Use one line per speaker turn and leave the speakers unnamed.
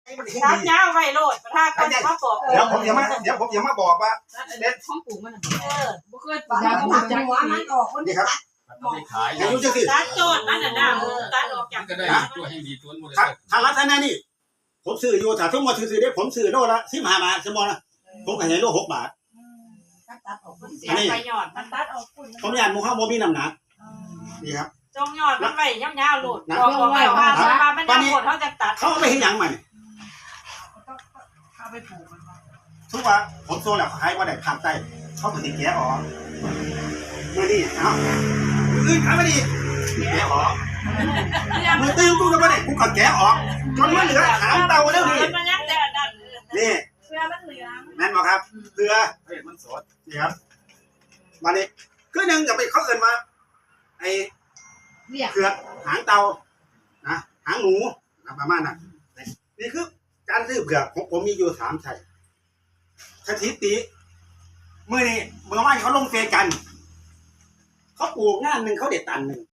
ตัดเงาไว้โลดถ้าก็จะมาบอก
เดี๋ยวผมจะมาบอกว่า
ห้องปลูกมันบ่เคย
บ้านมันจังหวะมันออกคน
นี่ครับ
เอาไปขาย
อายุจังสิ
ตัดโจทย์มันน่ะนะตัดออกจาก
ก็ได้ตัวให้ดีตัวบริ
ถ้า
ษัท
ถ้ารัฐนานี่ผมซื้ออยู่ถ้าทุกมาซื้อได้ผมซื้อโลละ15 บาทสมมตินะผมขายโล6 บาท
ตัดออก
เสียไปหยอดมันตัดออก
ผมอยากมูข้าวโมมีน้ำหนักนี่ครับ
จงหยอดมันไว้ยาวๆโลดบอกไว้ว่ามันยาวโลดเขาจะตัด
เขาเอาไปให้ยังมัน
เอาไปปลูกมัน
ทุกว่าผมโซนแล้วขายว่าได้ขาดใจเขาถึงแกะออกมือนี่เอ้ามือขายไม่ดีแกะออกมือตื้อกูก็ไม่ได้กูก็แกะออกจนมันเหลือหางเตาแล้วนี่
มันยังแต่ดัน
นี่
เสื้อมันเหลือง
แม่นบอกครับเรือ
เฮ้ยมันสด
นี่ครับมานี่คือหนึ่งกับไปเขาเอินมาไอ้
เรียก
เผือกหางเตานะหางหนูประมาณนั้นนี่คือการซื้อเผือกของผมมีอยู่3ไช่สถิติเมื่อนี้เมื่อวานเขาลงเฟซกันเขาปลูกงานหนึ่งเขาเด็ดตันหนึ่ง